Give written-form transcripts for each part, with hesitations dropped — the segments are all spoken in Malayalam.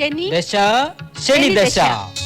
ദശ ശനി ദശ.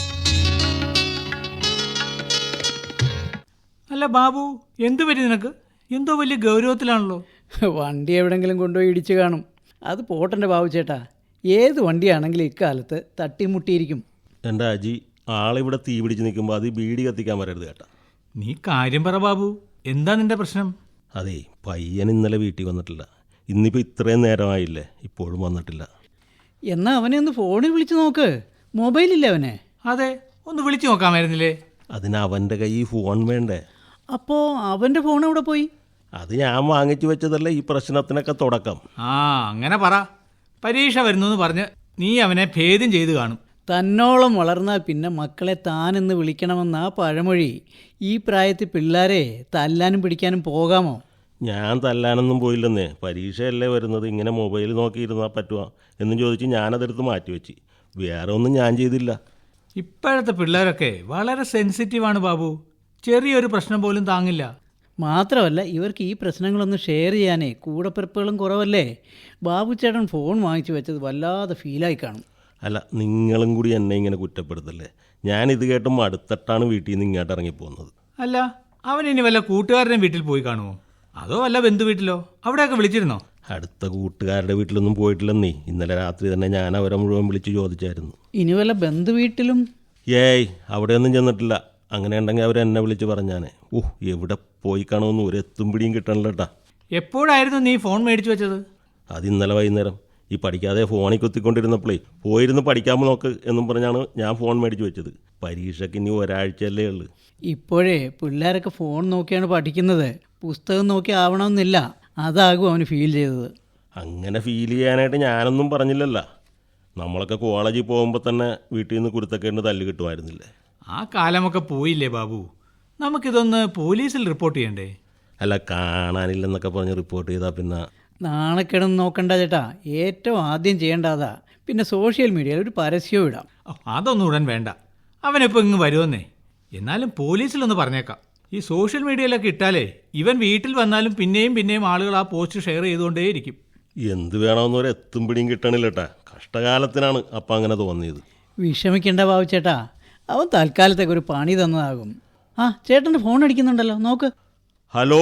അല്ല ബാബു, എന്തു പറ്റി നിനക്ക്? എന്തോ വലിയ ഗൗരവത്തിലാണല്ലോ. വണ്ടി എവിടെങ്കിലും കൊണ്ടുപോയി ഇടിച്ചു കാണും. അത് പോട്ടെൻ്റെ ബാബു ചേട്ടാ, ഏത് വണ്ടിയാണെങ്കിലും ഇക്കാലത്ത് തട്ടിമുട്ടിയിരിക്കും. എൻ്റെ അജി, ആളിവിടെ തീ പിടിച്ച് നിൽക്കുമ്പോൾ അത് ബീഡി കത്തിക്കാൻ വരരുത് കേട്ടാ. നീ കാര്യം പറ ബാബു, എന്താ നിന്റെ പ്രശ്നം? അതേ, പയ്യൻ ഇന്നലെ വീട്ടിൽ വന്നിട്ടില്ല. ഇന്നിപ്പോൾ ഇത്രയും നേരമായില്ലേ, ഇപ്പോഴും വന്നിട്ടില്ല. എന്നാൽ അവനെ ഒന്ന് ഫോണിൽ വിളിച്ച് നോക്ക്. മൊബൈലില്ലേ അവനെ? അതെ, ഒന്ന് വിളിച്ചു നോക്കാമായിരുന്നില്ലേ? അതിന് അവൻ്റെ കയ്യിൽ ഫോൺ വേണ്ടേ? അപ്പോൾ അവൻ്റെ ഫോൺ എവിടെ പോയി? അത് ഞാൻ വാങ്ങിച്ചു വെച്ചതല്ലേ ഈ പ്രശ്നത്തിനൊക്കെ തുടക്കം. ആ, അങ്ങനെ പറ. പരീക്ഷ വരുന്നു എന്ന് പറഞ്ഞ് നീ അവനെ ഭേദം ചെയ്ത് കാണും. തന്നോളം വളർന്നാൽ പിന്നെ മക്കളെ താനെന്ന് വിളിക്കണമെന്നാ പഴമൊഴി. ഈ പ്രായത്തിൽ പിള്ളേരെ തല്ലാനും പിടിക്കാനും പോകാമോ? ഞാൻ തല്ലാനൊന്നും പോയില്ലെന്നേ. പരീക്ഷയല്ലേ വരുന്നത്, ഇങ്ങനെ മൊബൈൽ നോക്കിയിരുന്നാൽ പറ്റുമോ എന്നും ചോദിച്ച് ഞാനതെടുത്ത് മാറ്റിവെച്ച്. വേറെ ഒന്നും ഞാൻ ചെയ്തില്ല. ഇപ്പോഴത്തെ പിള്ളേരൊക്കെ വളരെ സെൻസിറ്റീവാണ് ബാബു. ചെറിയൊരു പ്രശ്നം പോലും താങ്ങില്ല. മാത്രമല്ല, ഇവർക്ക് ഈ പ്രശ്നങ്ങളൊന്നും ഷെയർ ചെയ്യാനേ കൂടപ്പിറപ്പുകളും കുറവല്ലേ. ബാബു ചേട്ടൻ ഫോൺ വാങ്ങിച്ചു വെച്ചത് വല്ലാതെ ഫീലായി കാണും. അല്ല, നിങ്ങളും കൂടി എന്നെ ഇങ്ങനെ കുറ്റപ്പെടുത്തല്ലേ. ഞാനിത് കേട്ടുമ്പോൾ അടുത്തിട്ടാണ് വീട്ടിൽ നിന്ന് ഇങ്ങോട്ട് ഇറങ്ങിപ്പോകുന്നത്. അല്ല, അവൻ ഇനി വല്ല കൂട്ടുകാരൻ്റെ വീട്ടിൽ പോയി കാണുമോ? അതോ വല്ല ബന്ധു വീട്ടിലോ? അവിടെയൊക്കെ വിളിച്ചിരുന്നോ? അടുത്ത കൂട്ടുകാരുടെ വീട്ടിലൊന്നും പോയിട്ടില്ലെന്നേ. ഇന്നലെ രാത്രി തന്നെ ഞാൻ അവരെ മുഴുവൻ വിളിച്ച് ചോദിച്ചായിരുന്നു. ഇനി വല്ല ബന്ധു വീട്ടിലും? ഏയ്, അവിടെയൊന്നും ചെന്നിട്ടില്ല. അങ്ങനെ ഉണ്ടെങ്കിൽ അവരെന്നെ വിളിച്ച് പറഞ്ഞാനേ. എവിടെ പോയി കാണുമെന്ന് ഒരു എത്തും പിടിയും കിട്ടണല്ലോ കേട്ടാ. എപ്പോഴായിരുന്നു നീ ഫോൺ മേടിച്ചു വെച്ചത്? അത് ഇന്നലെ വൈകുന്നേരം. ഈ പഠിക്കാതെ ഫോണിൽ കുത്തിക്കൊണ്ടിരുന്നപ്പോഴേ പോയിരുന്ന് പഠിക്കാൻ നോക്ക് എന്നും പറഞ്ഞാണ് ഞാൻ ഫോൺ മേടിച്ച് വെച്ചത്. പരീക്ഷയ്ക്ക് ഇനി ഒരാഴ്ചയല്ലേ ഉള്ളൂ. ഇപ്പോഴേ പിള്ളേരൊക്കെ ഫോൺ നോക്കിയാണ് പഠിക്കുന്നത്. പുസ്തകം നോക്കി ആവണമെന്നില്ല. അതാകും അവന് ഫീൽ ചെയ്തത്. അങ്ങനെ ഫീൽ ചെയ്യാനായിട്ട് ഞാനൊന്നും പറഞ്ഞില്ലല്ലോ. നമ്മളൊക്കെ കോളേജിൽ പോകുമ്പോൾ തന്നെ വീട്ടിൽ നിന്ന് കുരുത്തക്കേണ്ട തല്ല് കിട്ടുമായിരുന്നില്ലേ. ആ കാലമൊക്കെ പോയില്ലേ ബാബു. നമുക്കിതൊന്ന് പോലീസിൽ റിപ്പോർട്ട് ചെയ്യണ്ടേ? അല്ല, കാണാനില്ലെന്നൊക്കെ പറഞ്ഞ് റിപ്പോർട്ട് ചെയ്താൽ പിന്നെ നാണക്കേടൊന്നും നോക്കണ്ട ചേട്ടാ. ഏറ്റവും ആദ്യം ചെയ്യേണ്ടതാ. പിന്നെ സോഷ്യൽ മീഡിയയിൽ ഒരു പരസ്യവും ഇടാം. അതൊന്നും ഉടൻ വേണ്ട. അവനിപ്പോൾ ഇങ്ങ് വരുമെന്നേ. എന്നാലും പോലീസിലൊന്ന് പറഞ്ഞേക്കാം. ഈ സോഷ്യൽ മീഡിയയിലൊക്കെ ഇട്ടാലേ ഇവൻ വീട്ടിൽ വന്നാലും പിന്നെയും പിന്നെയും ആളുകൾ ആ പോസ്റ്റ് ഷെയർ ചെയ്തുകൊണ്ടേയിരിക്കും. എന്ത് വേണമെന്നൊരു എത്തും പിടിയും കിട്ടണില്ല കേട്ടാ. കഷ്ടകാലത്തിനാണ് അപ്പം അങ്ങനെ തോന്നിയത്. വിഷമിക്കേണ്ട ബാബു ചേട്ടാ, അവൻ തൽക്കാലത്തേക്ക് ഒരു പണി തന്നതാകും. ആ, ചേട്ടൻ്റെ ഫോൺ അടിക്കുന്നുണ്ടല്ലോ, നോക്ക്. ഹലോ,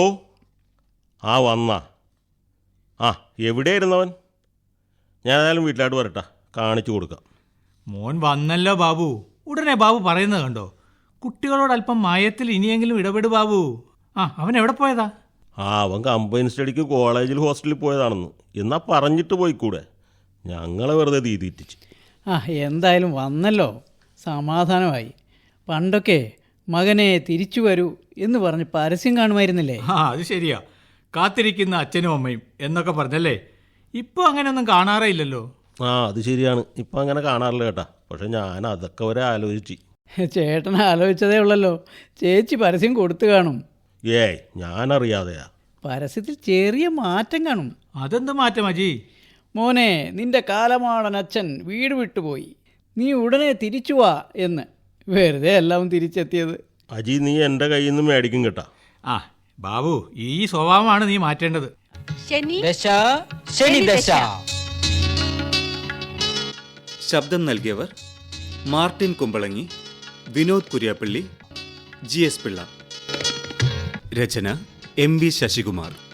വന്നാ? എവിടെയായിരുന്നവൻ? ഞാൻ ഏതായാലും വീട്ടിലോട്ട് വരട്ടാ, കാണിച്ചു കൊടുക്കാം. മോൻ വന്നല്ലോ ബാബു. ഉടനെ ബാബു പറയുന്നത് കണ്ടോ? കുട്ടികളോട് അല്പം മയത്തിൽ ഇനിയെങ്കിലും ഇടപെട് ബാബു. അവൻ എവിടെ പോയതാ? അവൻ കമ്പൈൻ സ്റ്റഡിക്ക് കോളേജിൽ ഹോസ്റ്റലിൽ പോയതാണെന്ന്. എന്നാ പറഞ്ഞിട്ട് പോയിക്കൂടെ? ഞങ്ങളെ വെറുതെ തീറ്റിച്ച്. എന്തായാലും വന്നല്ലോ, സമാധാനമായി. പണ്ടൊക്കെ മകനെ തിരിച്ചു വരൂ എന്ന് പറഞ്ഞ് പരസ്യം കാണുമായിരുന്നില്ലേ? അത് ശരിയാ. കാത്തിരിക്കുന്ന അച്ഛനും അമ്മയും എന്നൊക്കെ പറഞ്ഞല്ലേ. ഇപ്പോൾ അങ്ങനെയൊന്നും കാണാറേ ഇല്ലല്ലോ. അത് ശരിയാണ്, ഇപ്പം അങ്ങനെ കാണാറില്ല കേട്ടാ. പക്ഷെ ഞാൻ അതൊക്കെ വരെ ആലോചിച്ച്. ചേട്ടൻ ആലോചിച്ചതേ ഉള്ളല്ലോ. ചേച്ചി പരസ്യം കൊടുത്തു കാണും. ഞാനറിയാതെയാ. പരസ്യത്തിൽ ചെറിയ മാറ്റം കാണും. അതെന്ത് മാറ്റം അജി? മോനെ, നിന്റെ കാലമാടൻ അച്ഛൻ വീട് വിട്ടുപോയി, നീ ഉടനെ തിരിച്ചു വാ എന്ന്. വെറുതെ എല്ലാം തിരിച്ചെത്തിയത്. അജി, നീ എൻ്റെ കയ്യിൽ നിന്ന് മേടിക്കും കേട്ടാ. ബാബു, ഈ സ്വഭാവമാണ് നീ മാറ്റേണ്ടത്. ദശ ശനി ദശ. ശബ്ദം നൽകിയവർ മാർട്ടിൻ കുമ്പളങ്ങി, വിനോദ് കുര്യാപ്പള്ളി, GS പിള്ള. രചന MB ശശികുമാർ.